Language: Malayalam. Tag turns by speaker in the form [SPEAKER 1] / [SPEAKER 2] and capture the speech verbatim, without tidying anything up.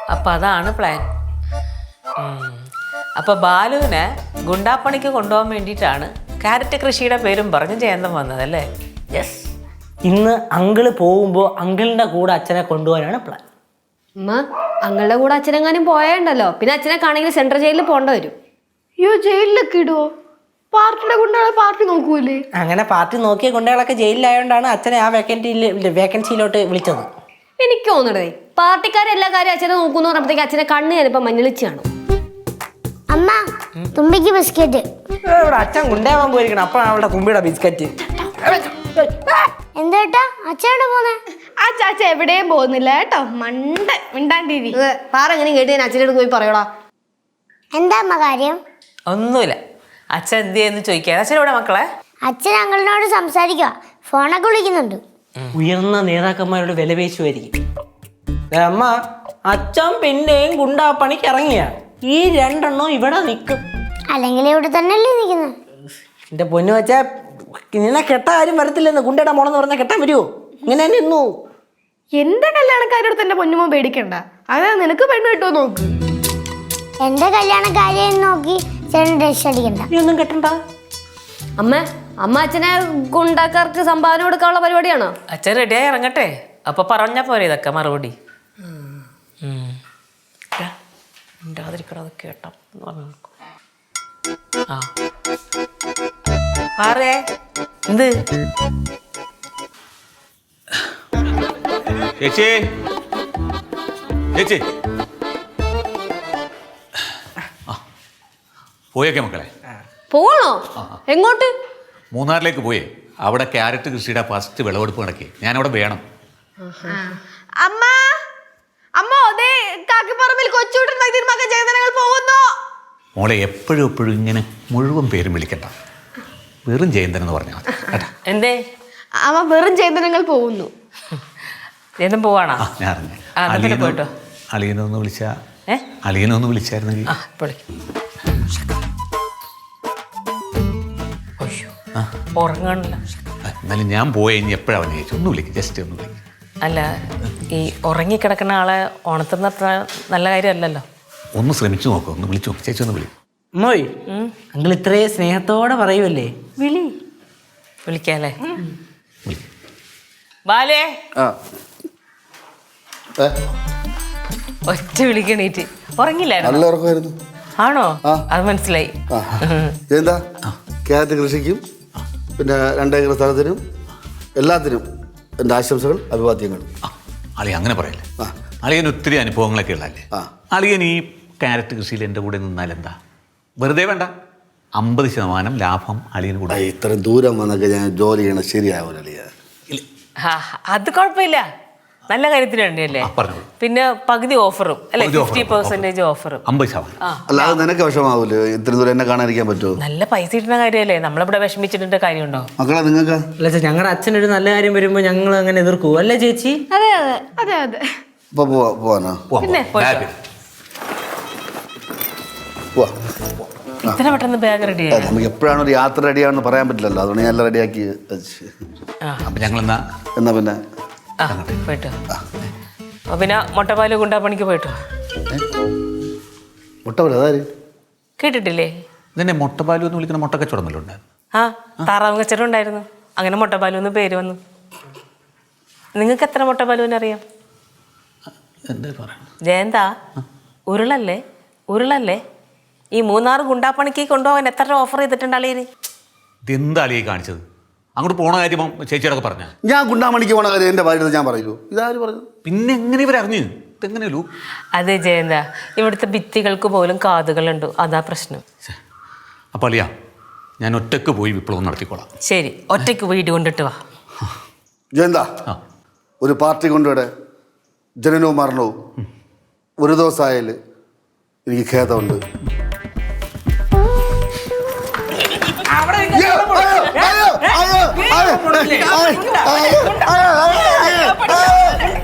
[SPEAKER 1] അപ്പം അതാണ് പ്ലാൻ. അപ്പോൾ ബാലുവിനെ ഗുണ്ടാപ്പണിക്ക് കൊണ്ടുപോകാൻ വേണ്ടിയിട്ടാണ് ക്യാരറ്റ് കൃഷിയുടെ പേരും പറഞ്ഞ് ജയന്തം വന്നതല്ലേ? യെസ്.
[SPEAKER 2] ഇന്ന് അങ്കിള് പോകുമ്പോൾ അങ്കിളിൻ്റെ കൂടെ അച്ഛനെ കൊണ്ടുപോകാനാണ് പ്ലാൻ.
[SPEAKER 3] അമ്മ അങ്ങളുടെ കൂടെ അച്ഛനെങ്ങാനും പോയണ്ടല്ലോ, പിന്നെ അച്ഛനെ കാണെങ്കിൽ സെൻട്രൽ ജയിലിൽ പോകേണ്ട വരും.
[SPEAKER 4] അയ്യോ, ജയിലിലൊക്കെ ഇടുവോ? പാർട്ടിയുടെ കൊണ്ടാണ് പാർട്ടി നോക്കൂലേ?
[SPEAKER 2] അങ്ങനെ പാർട്ടി നോക്കിയ ഗുണ്ടകളൊക്കെ ജയിലിലായോണ്ടാണ് അച്ഛനെ ആ വേക്കൻസിയിൽ വേക്കൻസിയിലോട്ട് വിളിച്ചത്.
[SPEAKER 3] എനിക്ക് തോന്നണേ പാർട്ടിക്കാരെല്ലാ കാര്യം അച്ഛനെ നോക്കുന്നു പറഞ്ഞപ്പോഴത്തേക്ക് അച്ഛനെ കണ്ണ് ഞാനിപ്പോ മഞ്ഞളിച്ച് കാണും.
[SPEAKER 5] അമ്മ തുമ്പിക്ക് ബിസ്ക്കറ്റ്.
[SPEAKER 2] ഇവിടെ അച്ഛൻ ഗുണ്ടയാവാൻ പോയിരിക്കണം, അപ്പോഴാണ് അവളുടെ തുമ്പിയുടെ ബിസ്ക്കറ്റ്.
[SPEAKER 5] എന്താ അച്ഛനോട് പോന്നെ?
[SPEAKER 4] ആ ചാച്ച എവിടെയും പോകുന്നില്ല കേട്ടോ, മണ്ട മിണ്ടാണ്ടിരി.
[SPEAKER 3] പാറെങ്ങനെ കേട്ട് ഞാൻ അച്ഛനോട് പോയി പറയോടാ.
[SPEAKER 5] എന്താ അമ്മ കാര്യം?
[SPEAKER 1] ഒന്നുമില്ല. അച്ഛൻ എന്ത് ചെയ്യുന്നു ചോദിക്കുക. അച്ഛൻ ഇവിടെ മക്കളെ?
[SPEAKER 5] അച്ഛൻ അങ്കിളിനോട് സംസാരിക്കുക, ഫോണൊക്കെ വിളിക്കുന്നുണ്ട്.
[SPEAKER 2] ഉയർന്ന നേതാക്കന്മാരോട് വിലപേശുമായിരിക്കും. അമ്മ അച്ഛൻ പിന്നെയും ഗുണ്ടാപ്പണിക്ക് ഇറങ്ങിയ ഈ രണ്ടെണ്ണം ഇവിടെ നിൽക്കും.
[SPEAKER 5] അല്ലെങ്കിൽ ഇവിടെ തന്നെയല്ലേ നിൽക്കുന്നത്?
[SPEAKER 2] എന്റെ പൊന്നു വെച്ചാ നിന്നെ കെട്ടാൻ ആരും വരത്തില്ലെന്ന്. ഗുണ്ടയുടെ മോളെന്ന് പറഞ്ഞാൽ കെട്ടാൻ വരുമോ? ഇങ്ങനെ തന്നെ നിന്നു.
[SPEAKER 4] എന്റെ കല്യാണക്കാരോട് തന്നെ പൊന്നുമോ പേടിക്കണ്ട, അതാ നിനക്ക് പെണ്ണ് കിട്ടുമോ നോക്ക്.
[SPEAKER 5] എന്റെ കല്യാണക്കാരെയും നോക്കി ചേട്ടൻ ഡ്രസ് അടിക്കണ്ട.
[SPEAKER 2] നീ ഒന്നും കെട്ടണ്ട.
[SPEAKER 3] അമ്മ അമ്മ അച്ഛനെ ഗുണ്ടാക്കാർക്ക് സംഭാവന കൊടുക്കാനുള്ള പരിപാടിയാണോ?
[SPEAKER 1] അച്ഛൻ റെഡിയായി ഇറങ്ങട്ടെ, അപ്പൊ പറഞ്ഞാ പോരെ ഇതൊക്കെ മറുപടി. ഉണ്ടാതിരിക്കണത് കേട്ടോ എന്ന് പറഞ്ഞു. ആ ആറേ എന്ത്
[SPEAKER 6] ചേച്ചി ചേച്ചി പോയേക്കെ മക്കളെ?
[SPEAKER 3] പോകണോ? എങ്ങോട്ട്?
[SPEAKER 6] മൂന്നാറിലേക്ക് പോയേ. അവിടെ ക്യാരറ്റ് കൃഷിയുടെ ഫസ്റ്റ് വിളവെടുപ്പ് നടക്കി. ഞാനവിടെ വേണം.
[SPEAKER 4] അമ്മ അമ്മ അതേ കാക്കിപ്പറമ്പിൽ കൊച്ചുവിട്ടൻ മകൻ ജയന്തനങ്ങൾ പോകുന്നു.
[SPEAKER 6] മോളെ എപ്പോഴും എപ്പോഴും ഇങ്ങനെ മുഴുവൻ പേരും വിളിക്കണ്ട, വെറും ജയന്തൻ എന്ന് പറഞ്ഞാൽ മതി കേട്ടാ.
[SPEAKER 1] എന്തേ?
[SPEAKER 4] അമ്മ വെറും ജയന്തനങ്ങൾ പോകുന്നു.
[SPEAKER 1] ജയന്തൻ പോവാണോ?
[SPEAKER 6] ആ ഞാൻ അറിഞ്ഞു.
[SPEAKER 1] ആ, എന്നാ പിന്നെ പോയിട്ടോ.
[SPEAKER 6] അളിയനൊന്ന് വിളിച്ചാ
[SPEAKER 1] ഏ
[SPEAKER 6] അളിയനൊന്ന് വിളിച്ചായിരുന്നെങ്കിൽ.
[SPEAKER 1] ആ ഇപ്പോൾ ഉറങ്ങാണില്ല.
[SPEAKER 6] എന്നാലും ഞാൻ പോയ ഇനി എപ്പോഴാണ് അവനെ ചേച്ചി ഒന്ന് വിളിക്കും, ജസ്റ്റ് ഒന്ന് വിളിക്കും.
[SPEAKER 1] അല്ല, ഈ ഉറങ്ങിക്കിടക്കുന്ന ആളെ ഉണർത്തുന്ന അത്ര നല്ല കാര്യമല്ലല്ലോ.
[SPEAKER 6] ഒന്ന് ശ്രമിച്ചു നോക്കും, ഒന്ന് വിളിച്ചു നോക്കും. ചേച്ചി ഒന്ന് വിളിക്കും.
[SPEAKER 2] മോയ് അങ്കിൾ ഇത്രയും സ്നേഹത്തോടെ പറയുമല്ലേ, വിളി.
[SPEAKER 1] വിളിക്കാല്ലേ? ബാലേ ഒറ്റ വിളിക്കണീറ്റ് ഉറങ്ങില്ലായിരുന്നു. ആണോ? അത് മനസ്സിലായി.
[SPEAKER 7] എന്താ ക്യാരറ്റ് കൃഷിക്കും പിന്നെ രണ്ടേക്കർ സ്ഥലത്തിനും എല്ലാത്തിനും എൻ്റെ ആശംസകൾ, അഭിവാദ്യങ്ങൾ.
[SPEAKER 6] അളിയ അങ്ങനെ പറയല്ലേ. അളിയൻ ഒത്തിരി അനുഭവങ്ങളൊക്കെ ഉള്ളതല്ലേ. അളിയൻ ഈ ക്യാരറ്റ് കൃഷിയിൽ എൻ്റെ കൂടെ നിന്നാൽ എന്താ, വെറുതെ വേണ്ട, അമ്പത് ശതമാനം ലാഭം അളിയന് കൂടെ.
[SPEAKER 7] ഇത്രയും ദൂരം വന്നൊക്കെ ഞാൻ ജോലി ചെയ്യണം ശരിയാവില്ല അളിയ.
[SPEAKER 1] അത് കുഴപ്പമില്ല, നല്ല കാര്യത്തിന് വേണ്ടിയല്ലേ. പിന്നെ പകുതി ഓഫറും അല്ലെ, ഫിഫ്റ്റി പെർസെന്റേജ് ഓഫറും.
[SPEAKER 6] അമ്പത് ശതമാനം.
[SPEAKER 7] അല്ലാതെ നിനക്ക് വിഷമാവൂലേ ഇത്രയും ദൂരം എന്നെ കാണാതിരിക്കാൻ പറ്റുമോ?
[SPEAKER 1] നല്ല പൈസ കിട്ടുന്ന കാര്യമല്ലേ, നമ്മളിവിടെ വിഷമിച്ചിട്ട് കാര്യമുണ്ടോ
[SPEAKER 7] മക്കളെ? നിങ്ങൾക്ക്
[SPEAKER 2] അല്ല ഞങ്ങളുടെ അച്ഛനൊരു നല്ല കാര്യം വരുമ്പോൾ ഞങ്ങൾ അങ്ങനെ എതിർക്കൂ അല്ലേ ചേച്ചി?
[SPEAKER 4] അതെ അതെ അതെ അതെ.
[SPEAKER 7] ഇപ്പൊ പോവാ പോവാനോ?
[SPEAKER 1] പിന്നെ ഇത്ര പെട്ടെന്ന് ബാഗ് റെഡി ആയി?
[SPEAKER 7] നമുക്ക് എപ്പോഴാണ് ഒരു യാത്ര റെഡിയാണെന്ന് പറയാൻ പറ്റില്ലല്ലോ, അതുകൊണ്ട് ഞാൻ എല്ലാം റെഡിയാക്കി വെച്ച്.
[SPEAKER 6] അപ്പം ഞങ്ങൾ എന്നാ
[SPEAKER 7] എന്നാ പിന്നെ
[SPEAKER 1] ആ പോയിട്ടോ. പിന്നെ മുട്ടപ്പാല് ഗുണ്ടാപ്പണിക്ക് പോയിട്ടോ.
[SPEAKER 7] മുട്ടപ്പാല് അതാര്
[SPEAKER 1] കേട്ടിട്ടില്ലേ?
[SPEAKER 6] ഇതെന്നെ മുട്ടപ്പാലു എന്ന് വിളിക്കുന്ന മുട്ടക്കച്ചവടം വല്ലതും ഉണ്ടായിരുന്നു.
[SPEAKER 1] ആ താറാവ് കച്ചവടം ഉണ്ടായിരുന്നു, അങ്ങനെ മുട്ടപ്പാലു എന്ന് പേര് വന്നു. നിങ്ങൾക്ക് എത്ര മുട്ടപ്പാലുവിനെ അറിയാം?
[SPEAKER 6] എന്താ പറയുക
[SPEAKER 1] ജയന്താ, ഉരുളല്ലേ ഉരുളല്ലേ ഈ മൂന്നാറ് ഗുണ്ടാപ്പണിക്ക് കൊണ്ടുപോകാൻ എത്ര രൂപ ഓഫർ ചെയ്തിട്ടുണ്ട് അളിയന്?
[SPEAKER 6] ഇതെന്താ അളിയെ കാണിച്ചത്? അങ്ങോട്ട് പോണ കാര്യം ചേച്ചിയോടൊക്കെ പറഞ്ഞ
[SPEAKER 7] ഞാൻ ഗുണ്ടാമണിക്ക് പോണ കാര്യം എൻ്റെ ഭാര്യ ഞാൻ പറയൂ. ഇതാര് പറഞ്ഞു?
[SPEAKER 6] പിന്നെ എങ്ങനെ ഇവരറിഞ്ഞു? ഇതെങ്ങനെയല്ലോ.
[SPEAKER 1] അതെ ജയന്ത, ഇവിടുത്തെ ഭിത്തികൾക്ക് പോലും കാതുകളുണ്ട്, അതാ പ്രശ്നം.
[SPEAKER 6] അപ്പം അളിയാ, ഞാൻ ഒറ്റക്ക് പോയി വിപ്ലവം നടത്തിക്കോളാം.
[SPEAKER 1] ശരി, ഒറ്റയ്ക്ക് വീട് കൊണ്ടിട്ട് വാ.
[SPEAKER 7] ജയന്താ, ഒരു പാർട്ടി കൊണ്ടുവിടെ ജനനവും മരണവും ഒരു ദിവസമായാൽ എനിക്ക് ഖേദമുണ്ട്. അയ്യോ അയ്യോ അയ്യോ അയ്യോ അയ്യോ അയ്യോ